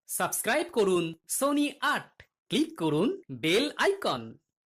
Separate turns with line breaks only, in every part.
Subscribe করুন Sony ৮, click করুন bell icon.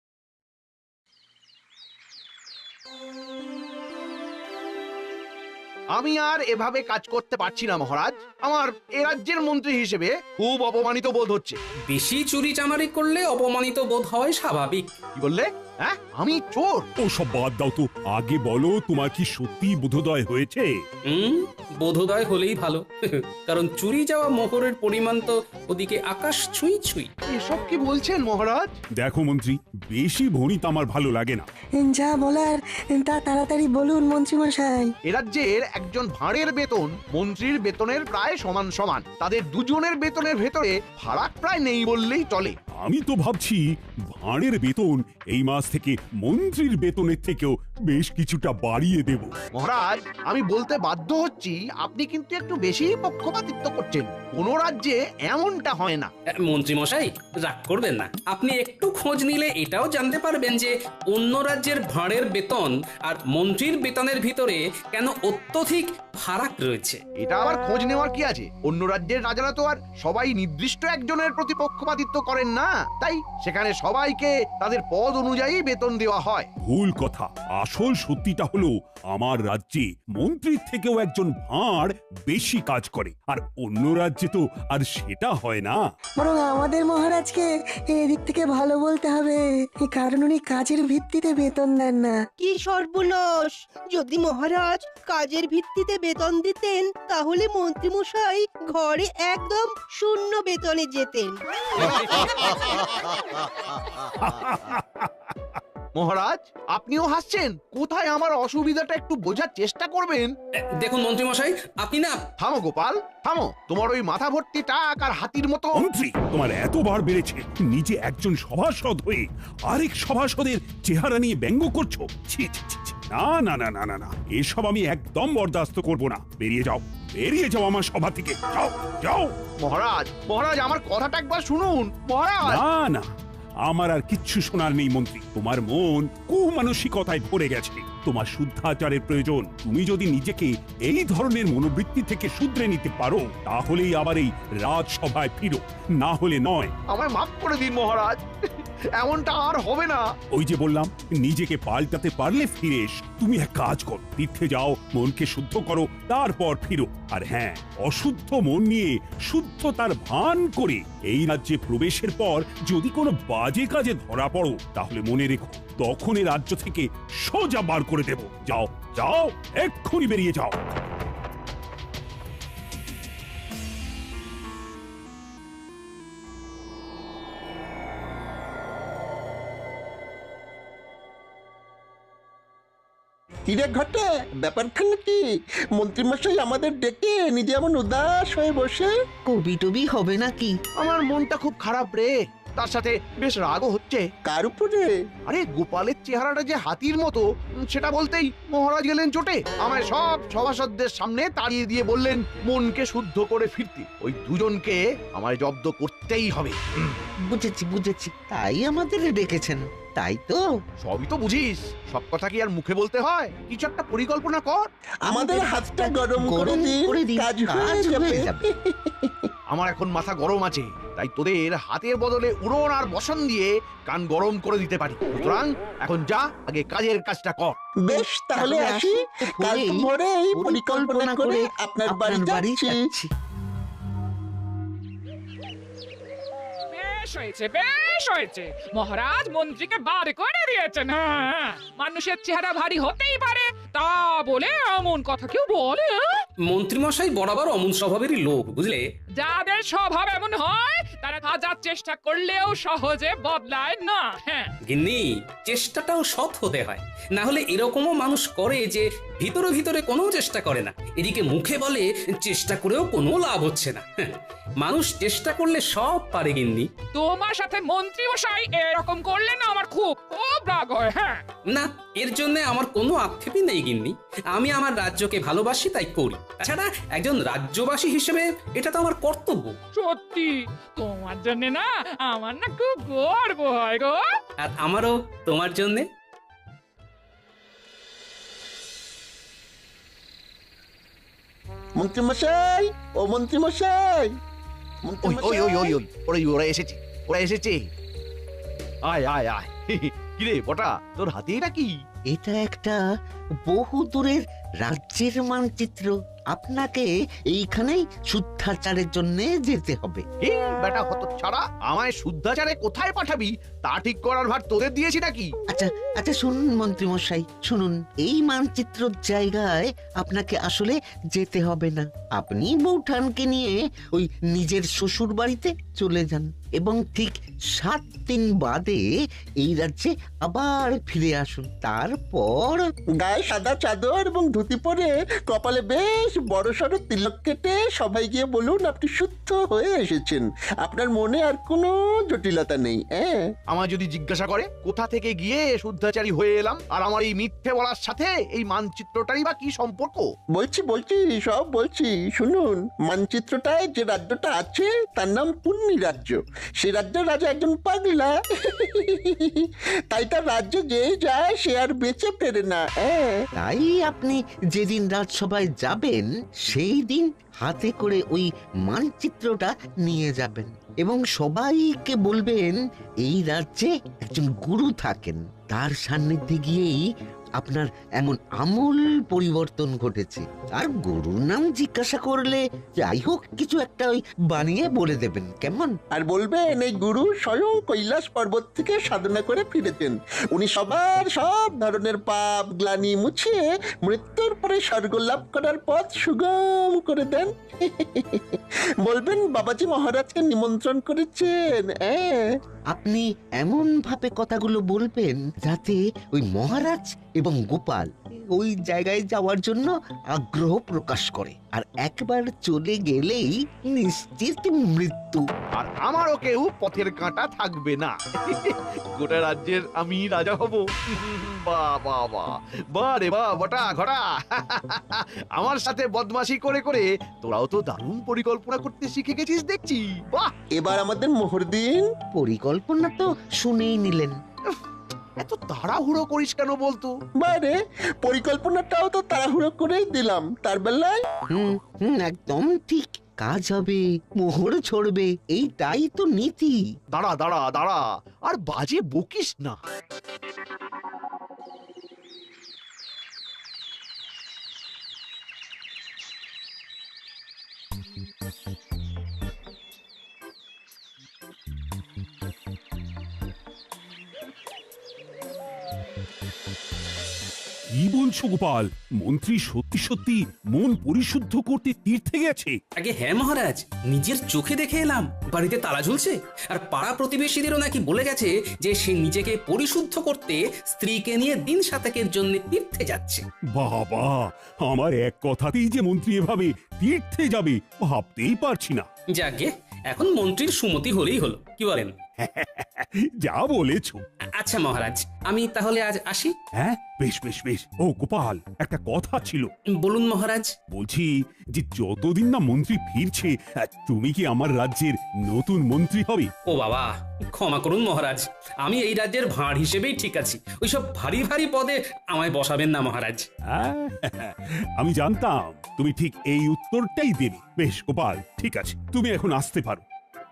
আমি আর এভাবে কাজ করতে পারছি না মহারাজ। আমার এ রাজ্যের মন্ত্রী হিসেবে খুব অপমানিত বোধ হচ্ছে।
বেশি চুরি চামারি করলে অপমানিত বোধ হয় স্বাভাবিক।
কি বললে? হ্যাঁ, আমি চোর?
ওসব বাদ দাও তো, আগে বলো তোমার কি সত্যি বোধোদয় হয়েছে?
বোধোদয় হলেই ভালো। কারণ চুরি যাওয়া মোহরের পরিমাণ তো ওদিকে আকাশ ছুঁই ছুঁই।
এসব কি বলছেন মহারাজ?
দেখো মন্ত্রী, বেশি ভণিত আমার ভালো লাগে না।
যা বলার তা তাড়াতাড়ি বলুন মন্ত্রীমশাই।
এ রাজ্যের একজন ভাঁড়ের বেতন মন্ত্রীর বেতনের প্রায় সমান সমান। তাদের দুজনের বেতনের ভেতরে ফারাক প্রায় নেই বললেই চলে।
আমি তো ভাবছি ভাঁড়ের বেতন এই মাস থেকে মন্ত্রীর বেতনের থেকেও বেশ কিছুটা বাড়িয়ে দেব।
মহারাজ, আমি বলতে বাধ্য হচ্ছি, আপনি কিন্তু একটু বেশি পক্ষপাতিত্ব করছেন। কোন রাজ্যে এমনটা হয় না।
মন্ত্রী মশাই, রাগ করবেন না। আপনি একটু খোঁজ নিলে এটাও জানতে পারবেন যে অন্য রাজ্যের ভাঁড়ের বেতন আর মন্ত্রীর বেতনের ভিতরে কেন অত্যধিক ফারাক রয়েছে।
এটা আবার খোঁজ নেওয়ার কি আছে? অন্য রাজ্যের রাজারা তো আর সবাই নির্দিষ্ট একজনের প্রতি পক্ষপাতিত্ব করেন না, তাই সেখানে সবাইকে তাদের পদ অনুযায়ী বেতন দেওয়া হয়।
ভুল কথা। আসল সত্যিটা হলো আমার রাজ্যে মন্ত্রীর থেকেও একজন ভাঁড় বেশি কাজ করে, আর অন্য রাজ্যে তো আর সেটা হয় না।
বরং আমাদের মহারাজকে এদিক থেকে ভালো বলতে হবে, কারণ উনি কাজের ভিত্তিতে বেতন দেন না।
কি সর্বনাশ! যদি মহারাজ কাজের ভিত্তিতে বেতন দিতেন তাহলে মন্ত্রীমশাই ঘরে একদম শূন্য বেতনে যেতেন।
মহারাজ, আপনিও হাসছেন? কোথায় আমার অসুবিধাটা একটু বোঝার চেষ্টা করবেন।
দেখুন মন্ত্রী মশাই, আপনি না।
থামো গোপাল, থামো। তোমার ওই মাথা ভর্তি টাক আর হাতির মতো।
মন্ত্রী, তোমার এতবার বেড়েছে, নিজে একজন সভাসদ হয়ে আরেক সভাসদের চেহারা নিয়ে ব্যঙ্গ করছো। ছি ছি ছি ছি। না না না না না না, এসব আমি একদম বরদাস্ত করব না। বেরিয়ে যাও, বেরিয়ে যাও আমার সভা থেকে। যাও যাও।
মহারাজ, মহারাজ, আমার কথাটা একবার শুনুন মহারাজ।
না না, আমার আর কিচ্ছু শোনার নেই মন্ত্রী। তোমার মন কুমানসিকতায় ভরে গেছে। তোমার শুদ্ধাচারের প্রয়োজন। তুমি যদি নিজেকে এই ধরনের মনোবৃত্তি থেকে শুধরে নিতে পারো, তাহলেই আবার এই রাজসভায় ফিরো, না হলে নয়।
আমায় মাফ করে দিন মহারাজ, এমনটা আর হবে না।
ওই যে বললাম, নিজেকে পাল্টাতে পারলে ফিরে এসো। তুমি এক কাজ করো, তীর্থে যাও, মনকে শুদ্ধ করো, তারপর ফিরো। আর হ্যাঁ, অশুদ্ধ মন নিয়ে শুদ্ধতার ভান করে এই রাজ্যে প্রবেশের পর যদি কোনো বাজে কাজে ধরা পড়ো, তাহলে মনে রেখো, তখন এই রাজ্য থেকে সোজা বার করে দেব। যাও যাও, এক্ষুনি বেরিয়ে যাও।
কিরে ঘটে, ব্যাপারখানে কি? মন্ত্রীমশাই আমাদের ডেকে নিজে এমন উদাস হয়ে বসে।
কবি টবি হবে নাকি?
আমার মনটা খুব খারাপ রে, তার সাথে বেশ রাগও হচ্ছে।
কার উপরে?
আরে গোপালের চেহারাটা যে হাতির মতো, সেটা বলতেই মহারাজ গেলেন চোটে। আমায় সব সভাসদদের সামনে তাড়িয়ে দিয়ে বললেন মনকে শুদ্ধ করে ফিরতে। ওই দুজনকে আমায় জব্দ করতেই হবে।
বুঝেছি বুঝেছি, তাই আমাদের ডেকেছেন, তাই তো?
সবই তো বুঝিস, সব কথা কি আর মুখে বলতে হয়? কিছু একটা পরিকল্পনা কর।
আমাদের হাতটা গরম করে দিন, কাজ হয়ে যাবে।
আমার এখন মাথা গরম আছে, তাই তোদের হাতের বদলে উড়ন আর বসন দিয়ে কান গরম করে দিতে পারি। সুতরাং এখন যা, আগে কাজের কাজটা কর।
বেশ, তাহলে আসি। কাল ভোরেই পরিকল্পনা করে আপনার বাড়ি যাচ্ছি।
বেশ হয়েছে, বেশ হয়েছে। মহারাজ মন্ত্রীকে বার করে দিয়েছেন। হ্যাঁ, মানুষের চেহারা ভারী হতেই পারে, তা বলে এমন কথা কেউ বলে?
মন্ত্রী মশাই বরাবর অমন স্বভাবেরই লোক, বুঝলে।
যাদের স্বভাব এমন হয় তারা হাজার চেষ্টা করলেও সহজে বদলায় না। হ্যাঁ,
গিন্নি, চেষ্টাটাও সৎ হতে হয়, না হলে এরকমও মানুষ করে যে ভিতরে ভিতরে কোনো চেষ্টা করে না, এদিকে মুখে বলে চেষ্টা করেও কোনো লাভ হচ্ছে না। মানুষ চেষ্টা করলে সব পারে গিন্নি।
তোমার সাথে মন্ত্রী মশাই এরকম করলে না আমার খুব খুব রাগ হয়। হ্যাঁ
না, এর জন্য আমার কোনো আক্ষেপই নেই গিন্নি। আমি আমার রাজ্যকে ভালোবাসি, তাই করি। তাছাড়া একজন রাজ্যবাসী হিসেবে এটা তো আমার কর্তব্য।
সত্যি, তোমার জন্য না আমার না খুব গর্ব হয় গো।
আর আমারও তোমার জন্যে।
মন্ত্রীমশাই, ও মন্ত্রীমশাই,
ওই ওই ওই ওই
মন্ত্রীমশাই।
ওরা এসেছে, ওরা এসেছে। আয় আয় আয় কিরে বটা, তোর হাতে এটা কি?
এটা একটা বহু দূরের রাজ্যের মানচিত্র। আপনাকে এইখানেই শুদ্ধাচারের জন্য যেতে হবে।
এই বেটা হত ছাড়া, আমায় শুদ্ধাচারে কোথায় পাঠাবি তা ঠিক করার ভার তোদের দিয়েছি নাকি?
আচ্ছা আচ্ছা, শুনুন মন্ত্রীমশাই, শুনুন। এই মানচিত্রর জায়গায় আপনাকে আসলে যেতে হবে না। আপনি বৌঠানকে নিয়ে ওই নিজের শ্বশুর বাড়িতে চলে যান এবং ঠিক 7 দিন বাদে এই রাজ্যে আবার ফিরে আসুন। তারপর
গায়ে সাদা চাদর এবং ধুতি পরে কপালে বেশ বড় সড়ো তিলক কেটে সবাই গিয়ে বলুন আপনি শুদ্ধ হয়ে এসেছেন। আপনার মনে আর কোনো জটিলতা নেই। হ্যাঁ,
আমায় যদি জিজ্ঞাসা করে কোথা থেকে গিয়ে শুদ্ধাচারী হয়ে এলাম, আর আমার এই মিথ্যে বলার সাথে এই মানচিত্রটারই বা কি সম্পর্ক?
বলছি সব বলছি, শুনুন। মানচিত্রটায় যে রাজ্যটা আছে তার নাম পুণ্যি রাজ্য। সে রাজ্যের রাজা একজন পাগলা, তাই তার রাজ্যে যে যায় সে আর বেঁচে ফেরে না। হ্যাঁ,
তাই আপনি যেদিন রাজসভায় যাবেন সেই দিন হাতে করে ওই মানচিত্রটা নিয়ে যাবেন এবং সবাইকে বলবেন এই রাজ্যে একজন গুরু থাকেন, তার সান্নিধ্যে গিয়েই আপনার এমন আমূল পরিবর্তন ঘটেছে। আর গুরুর নাম জিজ্ঞাসা করলে যাই হোক কিছু একটা ওই বানিয়ে বলে দেবেন, কেমন?
আর বলবেন এই গুরু স্বয়ং কৈলাস পর্বত থেকে সাধনা করে ফিরেছেন। উনি সবার সব ধরনের পাপ গ্লানি মুছিয়ে মৃত্যুর পরে স্বর্গ লাভ করার পথ সুগম করে দেন। বলবেন বাবাজি মহারাজকে নিমন্ত্রণ করেছেন।
আপনি এমন ভাবে কথাগুলো বলবেন যাতে ওই মহারাজ এবং গোপাল ওই জায়গায় যাওয়ার জন্য আগ্রহ প্রকাশ করে, আর একবার চলে গেলেই নিশ্চিত মৃত্যু।
আর আমারও কেউ পথের কাঁটা থাকবে না। গোটা রাজ্যের আমি রাজা হব। বাহ বাহ বাহ, বাহ রে বাহ বটা ঘটা। আমার সাথে বদমাশি করে করে তোরাও তো দারুণ পরিকল্পনা করতে শিখে গেছিস দেখছি। বাহ,
এবার আমাদের মোহর দিন।
পরিকল্পনা তো শুনেই নিলেন।
এত তাড়াহুড়ো করিস কেন বলতো?
বাইরে পরিকল্পনাটাও তো তাড়াহুড়ো করেই দিলাম। তার বেলায়
একদম ঠিক। কাজ হবে, মোহর ছড়বে, এইটাই তো নীতি।
দাঁড়া দাঁড়া দাঁড়া, আর বাজে বকিস না।
কি বলছো গোপাল? মন্ত্রী সত্যি সত্যি মন পরিশুদ্ধ করতে তীর্থে গেছে?
আগে হ্যাঁ মহারাজ, নিজের চোখে দেখে এলাম। বাড়িতে তালা ঝুলছে, আর পাড়া প্রতিবেশীদেরও নাকি বলে গেছে যে সে নিজেকে পরিশুদ্ধ করতে স্ত্রীকে নিয়ে দিন সাতেকের জন্য তীর্থে যাচ্ছে।
বাবা, আমার এক কথাতেই যে মন্ত্রী এভাবে তীর্থে যাবে ভাবতেই পারছি না।
যাকে এখন মন্ত্রীর সুমতি হলেই হলো, কি বলেন?
যা বলেছো।
আচ্ছা মহারাজ, আমি তাহলে আজ আসি।
হ্যাঁ, বেশ বেশ বেশ। ও গোপাল, একটা কথা ছিল।
বলুন মহারাজ।
বলছি যে যতদিন না মন্ত্রী ফিরছে তুমি কি আমার রাজ্যের নতুন মন্ত্রী হবে?
ও বাবা, ক্ষমা করুন মহারাজ, আমি এই রাজ্যের ভাঁড় হিসেবেই ঠিক আছি। ওইসব ভারী ভারী পদে আমায় বসাবেন না মহারাজ।
আমি জানতাম তুমি ঠিক এই উত্তরটাই দেবে। বেশ গোপাল, ঠিক আছে, তুমি এখন আসতে পারো।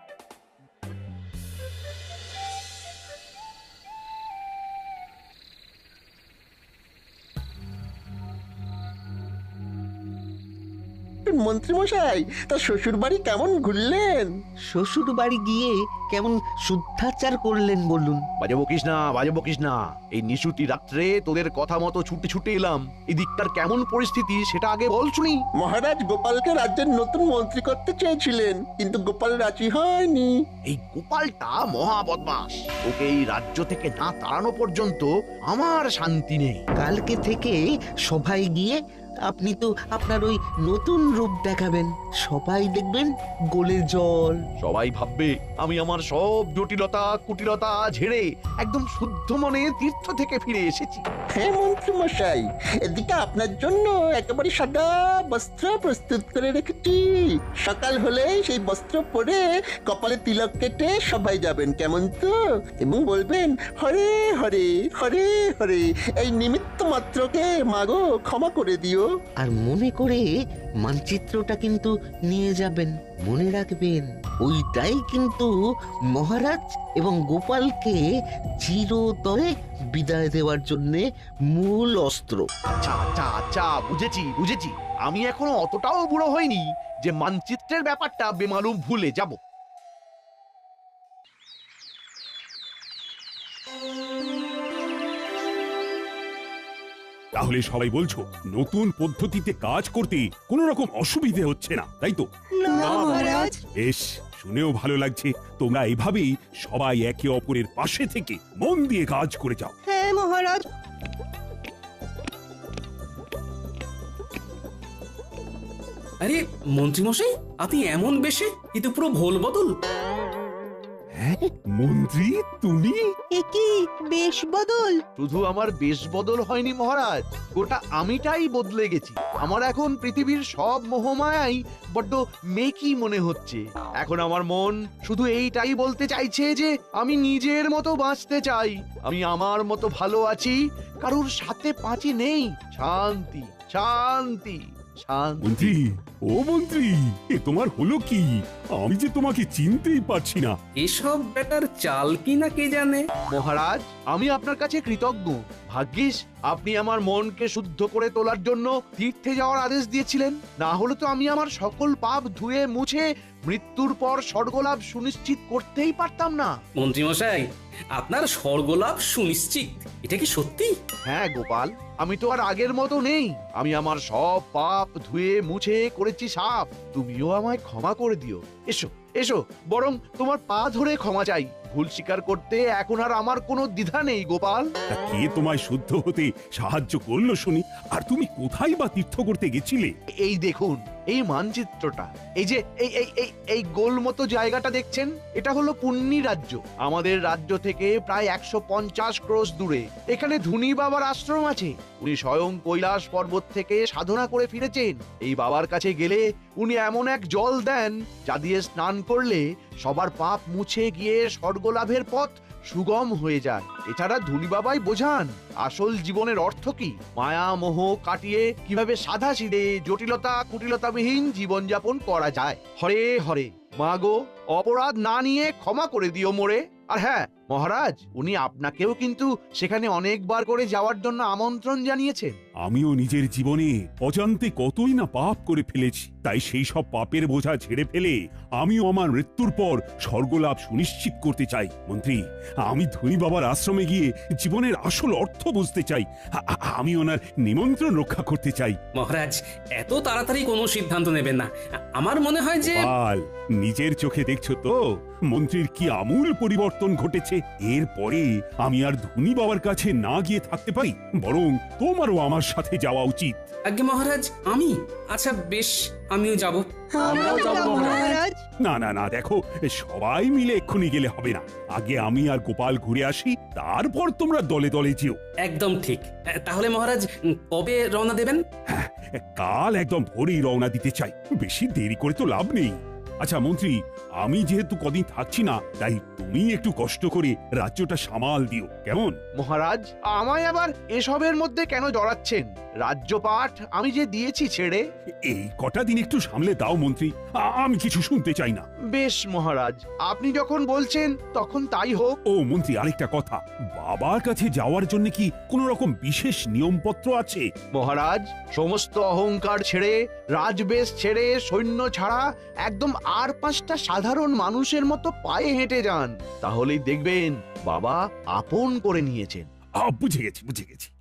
মন্ত্রী মশাই, তার শ্বশুর বাড়ি কেমন ঘুরলেন?
শ্বশুর বাড়ি গিয়ে কেমন শুদ্ধাচার করলেন বলুন?
বাজে বকিস না, বাজে বকিস না। এই নিশুতি রাত্রে তোদের কথা মতো ছুটে ছুটে এলাম। এদিকটার কেমন পরিস্থিতি সেটা আগে বল শুনি।
মহারাজ গোপালকে রাজ্যের নতুন মন্ত্রী করতে চেয়েছিলেন, কিন্তু গোপাল রাজি হয়নি।
এই গোপালটা মহা বদমাস। ওকে এই রাজ্য থেকে না তাড়ানো পর্যন্ত আমার শান্তি নেই।
কালকে থেকে সবাই গিয়ে আপনি তো আপনার ওই নতুন রূপ দেখাবেন, সবাই দেখবেন গোলে জল।
সবাই ভাববে আমি আমার সব জটিলতা কুটিলতা ঝেড়ে একদম শুদ্ধ মনে তীর্থ থেকে ফিরে এসেছি।
হ্যাঁ মন্ত্রী মশাই, এদিকে আপনার জন্য একেবারে সাদা বস্ত্র প্রস্তুত করে রেখেছি। সকাল হলে সেই বস্ত্র পরে কপালে তিলক কেটে সবাই যাবেন, কেমন তো? এবং বলবেন হরে হরে হরে হরে, এই নিমিত্ত মাত্রকে মাগো ক্ষমা করে দিও।
আর মনে করে মানচিত্রটা কিন্তু নিয়ে যাবেন, মনে রাখবেন। ওইটাই কিন্তু মহারাজ এবং গোপালকে চিরতরে বিদায় দেওয়ার জন্য মূল অস্ত্র।
আচ্ছা আচ্ছা আচ্ছা, বুঝেছি বুঝেছি। আমি এখনো অতটাও বুড়ো হইনি যে মানচিত্রের ব্যাপারটা বেমালুম ভুলে যাব।
তাহলে সবাই বলছো নতুন পদ্ধতিতে কাজ করতে কোনো রকম অসুবিধে হচ্ছে না, তাই তো?
না মহারাজ।
বেশ, শুনেও ভালো লাগছে। তোমরা এভাবেই সবাই একে অপরের পাশে থেকে মন দিয়ে কাজ করে যাও।
হ্যাঁ মহারাজ।
আরে মন্ত্রীমশাই, আপনি এমন বেশে, এ তো পুরো ভোল বদল।
হ্যাঁ মন্ত্রী, তুমি?
এ কি বেশ বদল?
শুধু আমার বেশ বদল হয়নি মহারাজ, গোটা আমিটাই বদলে গেছি। আমার এখন পৃথিবীর সব মোহমায়াই বড্ড মেকি মনে হচ্ছে। এখন আমার মন শুধু এইটাই বলতে চাইছে যে আমি নিজের মতো বাঁচতে চাই, আমি আমার মতো ভালো আছি, কারুর সাথে পাঁচি নেই। শান্তি শান্তি শান্তি।
মন্ত্রী, ও মন্ত্রী, এ তোমার হলো কি? আমি যে তোমাকে চিনতেই পারছি না।
এসব ব্যাটার চাল কি না কে জানে।
মহারাজ, আমি আপনার কাছে কৃতজ্ঞ। ভাগ্যিস আপনি আমার মনকে শুদ্ধ করে তোলার জন্য তীর্থে যাওয়ার আদেশ দিয়েছিলেন, না হলে তো আমি আমার সকল পাপ ধুয়ে মুছে মৃত্যুর পর স্বর্গলাভ সুনিশ্চিত করতেই পারতাম না।
মন্ত্রীমশাই, আপনার স্বর্গলাভ সুনিশ্চিত, এটা কি সত্যি?
হ্যাঁ গোপাল, আমি তো আর আগের মতো নেই। আমি আমার সব পাপ ধুয়ে মুছে করেছি সাফ। তুমিও আমায় ক্ষমা করে দিও। এসো এসো, বরং তোমার পা ধরে ক্ষমা চাই। ভুল স্বীকার করতে এখন আর আমার কোনো দ্বিধা নেই গোপাল।
তা কে তোমায় শুদ্ধ হতে সাহায্য করলো শুনি? আর তুমি কোথায় বা তীর্থ করতে গেছিলে?
এই দেখুন এই মানচিত্রটা, এই যে এই এই এই এই গোল মতো জায়গাটা দেখছেন, এটা হলো পুণ্যি রাজ্য। আমাদের রাজ্য থেকে প্রায় 150 ক্রোশ দূরে এখানে ধুনি বাবার আশ্রম আছে। উনি স্বয়ং কৈলাস পর্বত থেকে সাধনা করে ফিরেছেন। এই বাবার কাছে গেলে উনি এমন এক জল দেন যা দিয়ে স্নান করলে সবার পাপ মুছে গিয়ে স্বর্গলাভের পথ সুগম হয়ে যায়। এছাড়া ধুনি বাবাই বোঝান আসল জীবনের অর্থ কি, মায়া মোহ কাটিয়ে কিভাবে সাদা সিধে জটিলতা কুটিলতাবিহীন জীবনযাপন করা যায়। হরে হরে, মা গো, অপরাধ না নিয়ে ক্ষমা করে দিও মোরে। আর হ্যাঁ মহারাজ, উনি আপনাকেও কিন্তু সেখানে অনেকবার করে যাওয়ার জন্য আমন্ত্রণ জানিয়েছেন।
আমিও নিজের জীবনে অজান্তে কতই না পাপ করে ফেলেছি, তাই সেই সব পাপের বোঝা ঝেড়ে ফেলে আমিও আমার মৃত্যুর পর স্বর্গলাভ সুনিশ্চিত করতে চাই। মন্ত্রী, আমি ধনী বাবার আশ্রমে গিয়ে জীবনের আসল অর্থ বুঝতে চাই। আমি ওনার নিমন্ত্রণ রক্ষা করতে চাই।
মহারাজ, এত তাড়াতাড়ি কোনো সিদ্ধান্ত নেবেন না। আমার মনে হয় যে
গোপাল, নিজের চোখে দেখছো তো মন্ত্রীর কি আমূল পরিবর্তন ঘটেছে। এরপরে আমি আর ধনী বাবার কাছে না গিয়ে থাকতে পারি, বরং তোমারও আমার সাথে যাওয়া উচিত।
আজ্ঞে মহারাজ, আমি? আচ্ছা বেশ, আমিও যাব।
আমরাও যাব মহারাজ।
না না না, দেখো, সবাই মিলে এক্ষুনি গেলে হবে না। আগে আমি আর গোপাল ঘুরে আসি, তারপর তোমরা দলে দলে যেও।
একদম ঠিক। তাহলে মহারাজ, কবে রওনা দেবেন?
কাল একদম ভোরেই রওনা দিতে চাই, বেশি দেরি করে তো লাভ নেই। আচ্ছা মন্ত্রী, আমি যেহেতু কদিন থাকছি না, তাই তুমি একটু কষ্ট করে রাজ্যটা সামাল দিও, কেমন?
মহারাজ, আমায় আবার এসবের মধ্যে কেন জড়াচ্ছেন? রাজ্যপাঠ আমি যে দিয়েছি ছেড়ে।
এই কটা দিন একটু সামলে দাও মন্ত্রী, আমি কিছু শুনতে চাই না।
বেশ মহারাজ, আপনি যখন বলছেন তখন তাই হোক।
ও মন্ত্রী, আরেকটা কথা, বাবার কাছে যাওয়ার জন্য কি কোনো রকম বিশেষ নিয়মপত্র আছে?
মহারাজ, সমস্ত অহংকার ছেড়ে, রাজবেশ ছেড়ে, সৈন্য ছাড়া একদম আর 5টা সাধারণ মানুষের মতো পায়ে হেঁটে যান, তাহলেই দেখবেন বাবা আপন করে নিয়েছেন।
বুঝে গেছি বুঝে গেছি।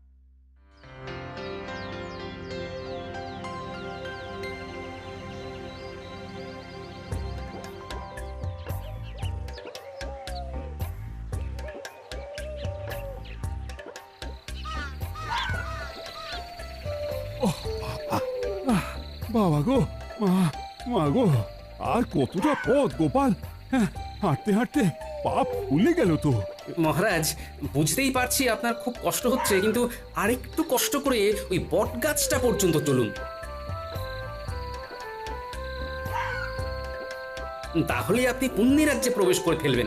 বাবা গো, মা গো, আর কতটা পথ গোপাল? হাঁটতে হাঁটতে পা ফুলে গেল তো।
মহারাজ, বুঝতেই পারছি আপনার খুব কষ্ট হচ্ছে, কিন্তু আরেকটু কষ্ট করে ওই বট গাছটা পর্যন্ত চলুন, তাহলে আপনি পুণ্যি রাজ্যে প্রবেশ করে ফেলবেন।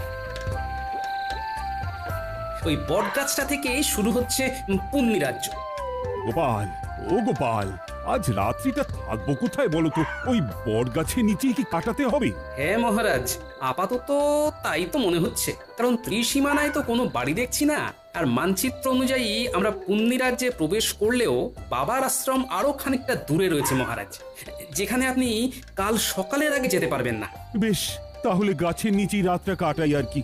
ওই বট গাছটা থেকে শুরু হচ্ছে পুণ্যি রাজ্য।
গোপাল, ও গোপাল, আজ রাত্রিটা থাকবো কোথায় বলো তো? ওই বট গাছের নিচেই কি কাটাতে হবে?
হ্যাঁ মহারাজ, আপাতত তাই তো মনে হচ্ছে, কারণ ত্রিসীমানায় তো কোনো বাড়ি দেখছি না। আর মানচিত্র অনুযায়ী আমরা পুণ্যি রাজ্যে প্রবেশ করলেও বাবার আশ্রম আরো খানিকটা দূরে রয়েছে মহারাজ, যেখানে আপনি কাল সকালের আগে যেতে পারবেন না।
বেশ, তাহলে গাছের নিচেই রাতটা কাটাই আর কি।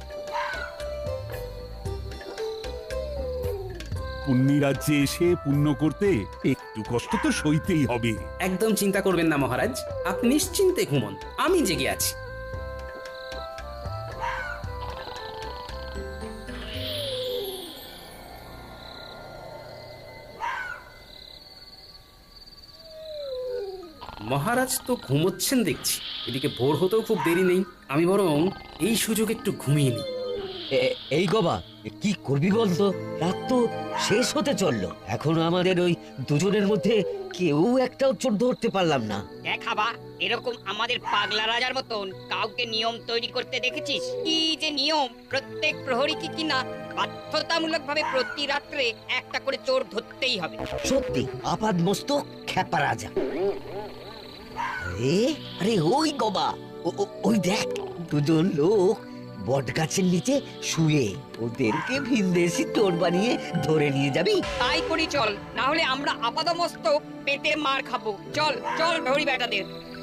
পুণ্যি রাজ্যে এসে পুণ্য করতে একটু কষ্ট তো সইতেই হবে।
একদম চিন্তা করবেন না মহারাজ, আপনি নিশ্চিন্তে ঘুমন, আমি জেগে আছি। মহারাজ তো ঘুমোচ্ছেন দেখছি, এদিকে ভোর হতেও খুব দেরি নেই, আমি বরং এই সুযোগ একটু ঘুমিয়ে নিই।
এই গবা, কি করবি বলতো? রাত তো শেষ হতে চললো, এখনো আমাদের ওই দুজনের মধ্যে কেউ একটাও চোর ধরতে পারলাম না।
দেখাবা এরকম আমাদের পাগলা রাজার মতন কাউকে নিয়ম তৈরি করতে দেখেছিস? কি যে নিয়ম, প্রত্যেক প্রহরী কিনা বাধ্যতামূলক ভাবে প্রতি রাত্রে একটা করে চোর ধরতেই হবে।
সত্যি আপাদ মস্তক খ্যাপা রাজা। আরে আরে ওই গবা, ওই দেখ দুজন লোক বট গাছের নিচে শুয়ে, ওদেরকে ভিনদেশি চোর বানিয়ে ধরে নিয়ে যাবি?
তাই করি চল, না হলে আমরা আপাদমস্তক পেটে মার খাবো। চল চল ধরি বেটাদের।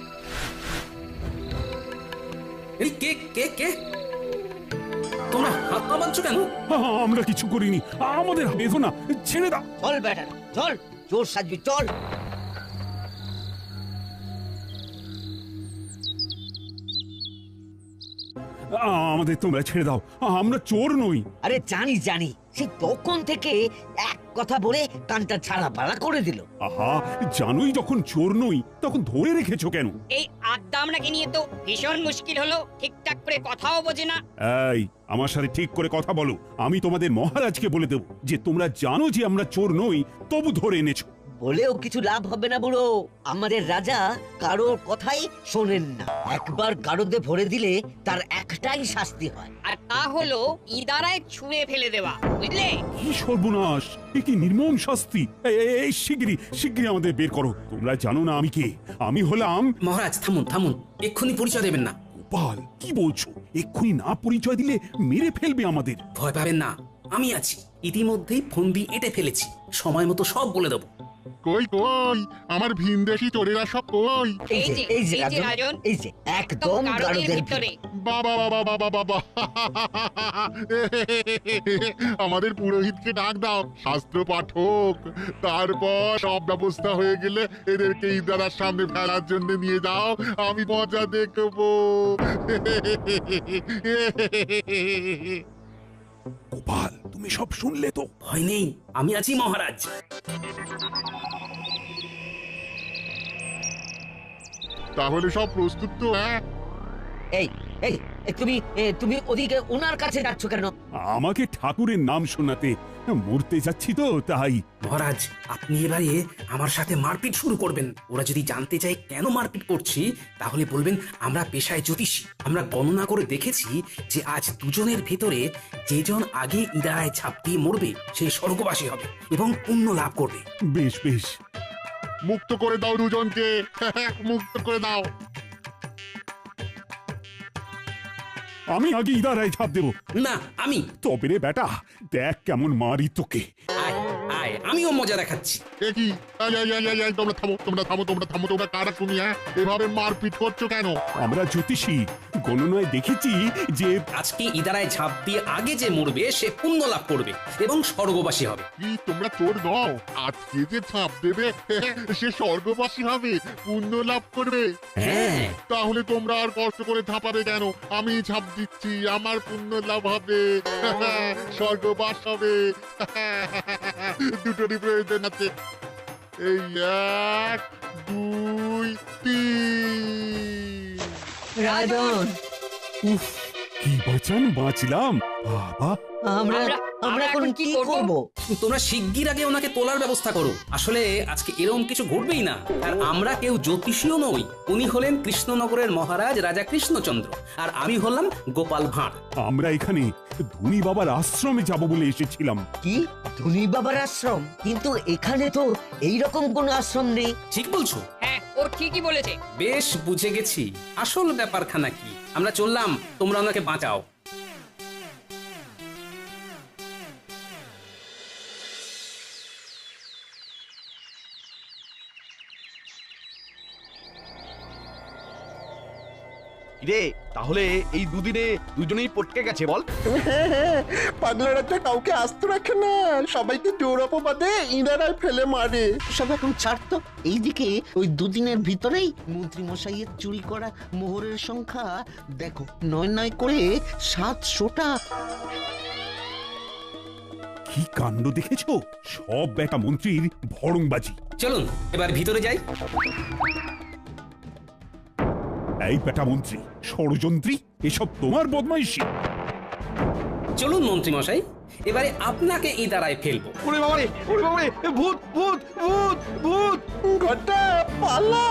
এই কে কে কে তোমরা হাত পা বাঁধছো কেন?
আমরা কিছু করিনি, আমাদের বেঁধো না, ছেড়ে দাও।
চল বেটা চল, চোর সাজবি চল।
আমাদের তোমরা ছেড়ে দাও, আমরা চোর নই।
আরে জানি জানি, সে তখন থেকে এক কথা বলে কানটা ছাড়া পালা করে দিল।
আহা, জানোই যখন চোর নই তখন ধরে রেখেছো কেন?
এই আড্ডা আমরাকে নিয়ে তো ভীষণ মুশকিল হলো, ঠিকঠাক করে কথাও বোঝে না।
এই, আমার সাথে ঠিক করে কথা বলো। আমি তোমাদের মহারাজকে বলে দেব যে তোমরা জানো যে আমরা চোর নই, তবু ধরে এনেছো।
বলেও কিছু লাভ হবে না বুড়ো, আমাদের রাজা কারোর কথাই শোনেন না। একবার গারদে ভরে দিলে তার একটাই শাস্তি হয়,
আর তা হলো ইদারায় ছুঁয়ে ফেলে দেওয়া, বুঝলে?
কি সর্বনাশ, এ কি নির্মম শাস্তি! এই শিগগিরই আমাদের বের করো। তোমরা জানো না আমি কে? আমি হলাম...
মহারাজ থামুন থামুন, এক্ষুনি পরিচয় দেবেন না।
গোপাল, কি বলছো? এক্ষুনি না পরিচয় দিলে মেরে ফেলবে আমাদের।
ভয় পাবেন না, আমি আছি। ইতিমধ্যেই ফন্দি এঁটে ফেলেছি, সময় মতো সব বলে দেবো।
কই কই আমার ভিনদেশি চোরেরা সব কই?
এই যে রাজন, এই যে একদম গারদের ভিতরে।
বাবা বাবা বাবা বাবা, আমাদের পুরোহিতকে ডাক দাও, শাস্ত্র পাঠক। তারপর সব ব্যবস্থা হয়ে গেলে এদেরকে ইদারার সামনে ফেলার জন্য নিয়ে যাও, আমি মজা দেখবো।
গোপাল, তুমি সব শুনলে তো?
ভয় নেই, আমি আছি মহারাজ।
তাহলে সব প্রস্তুত তো? হ্যাঁ,
এই এই তুমি ওদিকে ওনার কাছে যাচ্ছ কেন?
আমাকে ঠাকুরের নাম শোনাতে। মরতে যাচ্ছি তো তাই।
মহারাজ, আপনি এবারে আমার সাথে মারপিট শুরু করবেন। ওরা যদি জানতে চায় কেন মারপিট করছি, তাহলে বলবেন আমরা পেশায় জ্যোতিষী। আমরা গণনা করে দেখেছি যে আজ দুজনের ভেতরে যেজন আগে ইদারায় ঝাঁপ দিয়ে মরবে সে স্বর্গবাসী হবে এবং পুণ্য লাভ করবে।
বেশ বেশ,
মুক্ত করে দাও দুজনকে, মুক্ত করে দাও।
আমি আগে ইদারায় ছাপ দেবো।
না, আমি।
তবে রে বেটা, দেখ কেমন মারি তোকে।
আয় আয়, আমিও মজা দেখাচ্ছি।
এ কি? তোমরা থামো, তোমরা থামো, তোমরা থামো, তোমরা কারা শুনি? হ্যাঁ, এভাবে মারপিট করছো কেন?
আমরা জ্যোতিষী, গণনায় দেখেছি যে
আজকে ইদারায় ঝাঁপ দিয়ে আগে যে মরবে সে পুণ্য লাভ করবে এবং স্বর্গবাসী হবে।
কি তোমরা চোর নও? আজকে যে ছাপ দেবে সে স্বর্গবাসী হবে, পুণ্য লাভ করবে।
হ্যাঁ,
তাহলে তোমরা আর কষ্ট করে ঝাঁপাবে কেন? আমি ছাপ দিচ্ছি, আমার পুণ্য লাভ হবে, স্বর্গবাস হবে। দুটোরই প্রয়োজন আছে। এই 1 2 3।
রাজন,
উফ, কি বাঁচান বাঁচলাম বাবা।
আমরা
আমরা
আমরা এখন কি করব?
তোমরা শিগগির আগে ওনাকে তোলার ব্যবস্থা করো। আসলে আজকে এরকম কিছু ঘটবেই না। আর আমরা কেউ জ্যোতিষীও নই। উনি হলেন কৃষ্ণনগরের মহারাজ রাজা কৃষ্ণচন্দ্র, আর আমি হলাম গোপাল ভাঁড়।
আমরা এখানে ধনী বাবার আশ্রমে যাব বলে এসেছিলাম।
কি ধনী বাবার আশ্রম? কিন্তু এখানে তো এইরকম কোনো আশ্রম নেই।
ঠিক বলছো?
হ্যাঁ ও ঠিকই বলেছে।
বেশ বুঝে গেছি আসল ব্যাপারখানা কি। আমরা চললাম, তোমরা ওনাকে বাঁচাও।
রে তাহলে এই দুদিনে দুজনেই পটকে গেছে বল?
পাগলা রাজা কাউকে আস্ত রাখে না, সবাইকে জোর অপবাদে ইনারাই ফেলে মারে।
সব এখন ছাড়তো। এইদিকে ওই দুদিনের ভিতরেই মন্ত্রী মশাইয়ের চুরি করা মোহরের সংখ্যা দেখো, 9 করে 700টা।
কি কাণ্ড দেখেছো? সব বেটা মন্ত্রীর ভড়ংবাজি।
চলুন এবার ভিতরে যাই।
এই বেটা মন্ত্রী, ষড়যন্ত্রী, এসব তোমার বদমাইশি।
চলুন মন্ত্রী মশাই, এবারে আপনাকে ইদারায় ফেলবো।
ওরে বাবারে, ওরে বাবারে, ভূত ভূত ভূত ভূত!
ঘটা পালা!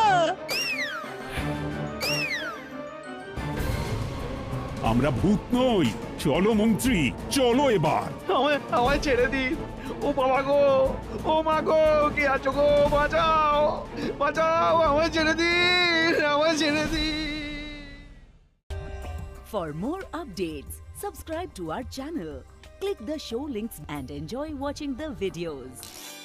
আমরা ভূত নই। চলো মন্ত্রী, চলো এবার।
আমায় ছেড়ে দিন। ও বাবা গো, ও মা গো, কে আছো গো? বাঁচাও, বাঁচাও, আমায় ছেড়ে দিন, আমায় ছেড়ে দিন।
For more updates, subscribe to our channel, click the show links and enjoy watching the videos.